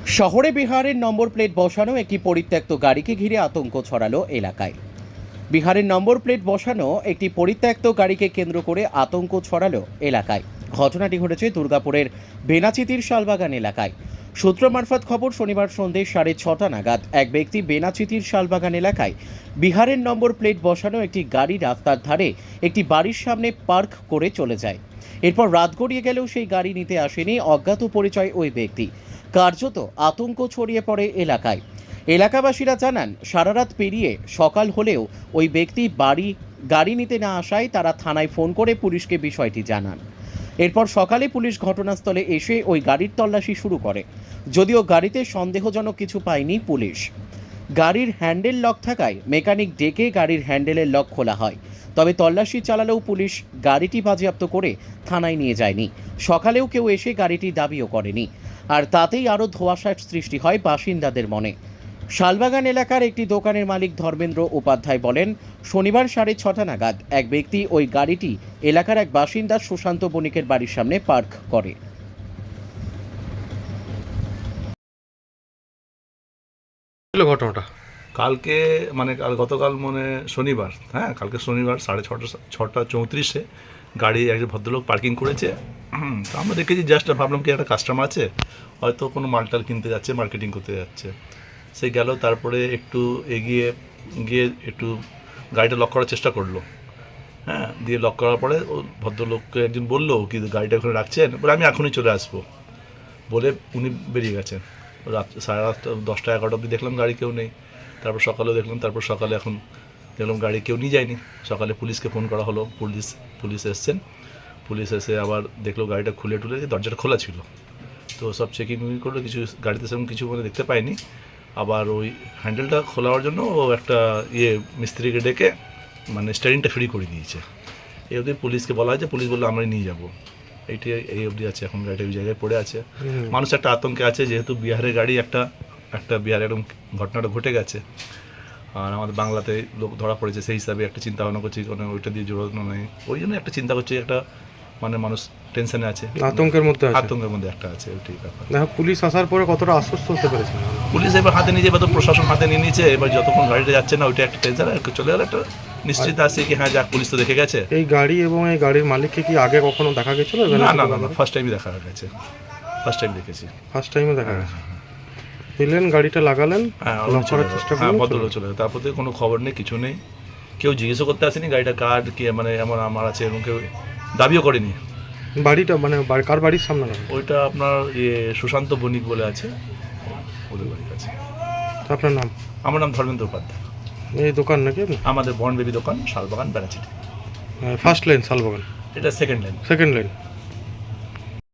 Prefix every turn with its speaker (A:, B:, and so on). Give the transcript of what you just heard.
A: শহরে বিহারের number plate বসানো একটি পরিত্যক্ত গাড়িকে ঘিরে আতঙ্ক ছড়ালো এলাকায়। বিহারের নম্বর প্লেট বসানো একটি পরিত্যক্ত গাড়িকে কেন্দ্র করে আতঙ্ক ছড়ালো এলাকায়। ঘটনাটি ঘটেছে দুর্গাপুরের বেনাচিতির শালবাগান এলাকায়। সূত্র মারফত খবর, শনিবার সন্ধ্যে 6:30 নাগাদ এক ব্যক্তি বেনাচিতির শালবাগান এলাকায় বিহারের নম্বর প্লেট বসানো একটি গাড়ি রাস্তার ধারে একটি বাড়ির সামনে পার্ক করে চলে যায়। এরপর রাত গড়িয়ে গেলেও সেই গাড়ি নিতে আসেনি অজ্ঞাত পরিচয় ওই ব্যক্তি। কার্যত আতঙ্ক ছড়িয়ে পড়ে এলাকায়। এলাকাবাসীরা জানান, সারা রাত পেরিয়ে সকাল হলেও ওই ব্যক্তি গাড়ি নিতে না আসায় তারা থানায় ফোন করে পুলিশকে বিষয়টি জানান। এরপর সকালে পুলিশ ঘটনাস্থলে এসে ওই গাড়ির তল্লাশি শুরু করে। যদিও গাড়িতে সন্দেহজনক কিছু পায়নি পুলিশ। গাড়ির হ্যান্ডেল লক থাকায় মেকানিক ডেকে গাড়ির হ্যান্ডেলের লক খোলা হয়। তবে তল্লাশি চালালেও পুলিশ গাড়িটি বাজেয়াপ্ত করে থানায় নিয়ে যায়নি। সকালেও কেউ এসে গাড়িটি দাবিও করেনি। আর তাতেই আরও ধোঁয়াশার সৃষ্টি হয় বাসিন্দাদের মনে। শালবাগান এলাকার একটি দোকানের মালিক ধর্মেন্দ্র উপাধ্যায় বলেন, শনিবার 6:30 নাগাদ এক ব্যক্তি ওই গাড়িটি এলাকার এক বাসিন্দা সুশান্ত বণিকের বাড়ির সামনে পার্ক করে।
B: ঘটনাটা
C: কালকে গতকাল শনিবার, কালকে শনিবার 6:34 গাড়ি একজন ভদ্রলোক পার্কিং করেছে। তো আমরা দেখেছি, জাস্ট ভাবলাম কি একটা কাস্টমার আছে, হয়তো কোনো মালটাল কিনতে যাচ্ছে, মার্কেটিং করতে যাচ্ছে। সে গেল, তারপরে একটু এগিয়ে গিয়ে একটু গাড়িটা লক করার চেষ্টা করলো। দিয়ে লক করার পরে ও ভদ্রলোককে একজন বললো কি গাড়িটা ওখানে রাখছেন, বলে আমি এখনই চলে আসবো বলে উনি বেরিয়ে গেছেন। রাত 10:30-11 অবধি দেখলাম গাড়ি কেউ নেই। তারপর সকালেও দেখলাম, সকালে এখন দেখলাম গাড়ি কেউ নিয়ে যায়নি। সকালে পুলিশকে ফোন করা হলো, পুলিশ এসছেন। পুলিশ এসে আবার দেখলো গাড়িটা খুলে দরজাটা খোলা ছিল। তো সব চেকিং করলো, কিছু গাড়িতে সেরকম কিছু দেখতে পাইনি। আবার ওই হ্যান্ডেলটা খোলার জন্য ও একটা মিস্ত্রিকে ডেকে স্টিয়ারিংটা ফ্রি করে দিয়েছে। এই অবধি পুলিশকে বলা হয়েছে, পুলিশ বললো আমরাই নিয়ে যাবো। এই অবধি আছে, এখন গাড়িটা ওই জায়গায় পড়ে আছে। মানুষ একটা আতঙ্কে আছে, যেহেতু বিহারের গাড়ি, একটা বিহারে এরকম ঘটনাটা ঘটে গেছে। আর আমাদের বাংলাতে লোক ধরা পড়েছে, সেই হিসাবে একটা চিন্তা ভাবনা করছি, ওইটা দিয়ে জোরানো নেই, ওই জন্য একটা চিন্তা করছি, একটা মানুষ টেনশনে আছে, আতঙ্কের মধ্যে একটা আছে। ওইটাই ব্যাপার।
B: পুলিশ আসার পরে কতটা আশ্বস্ত হতে পেরেছে?
C: পুলিশ এবার হাতে নিয়ে যাবে, তো প্রশাসন হাতে নিয়ে নিয়েছে। এবার যতক্ষণ গাড়িটা যাচ্ছে না, ওইটা একটা টেনশন, চলে গেলে একটা নিশ্চিত আছে কি যাক, পুলিশ তো দেখে গেছে।
B: এই গাড়ি এবং এই গাড়ির মালিককে কি আগে কখনো দেখা গেছিল?
C: না, ফার্স্ট টাইমই দেখা গেছে, ফার্স্ট টাইমে দেখা গেছে।
B: দিলেন, গাড়িটা লাগালেন, লক করার চেষ্টা করলেন,
C: ভদ্রলোক চলে গেল। তারপর থেকে কোনো খবর নেই, কিছু নেই, কেউ জিজ্ঞেসও করতে আসেনি গাড়িটা কার কি, এমন আমার আছে এরকম কেউ দাবিও করেনি।
B: বাড়িটা কার বাড়ির সামনে?
C: ওইটা আপনার সুশান্ত বণিক বলে আছে, ওদের বাড়ির কাছে।
B: আপনার নাম?
C: আমার নাম ধর্মেন্দ্র উপাধ্যায়।
B: এই দোকান নাকি
A: আমাদের বর্ণ বেবি দোকান, শালবাগান, বেনাচিটি।
B: ফার্স্ট লাইন শালবাগান,
C: এটা সেকেন্ড লাইন।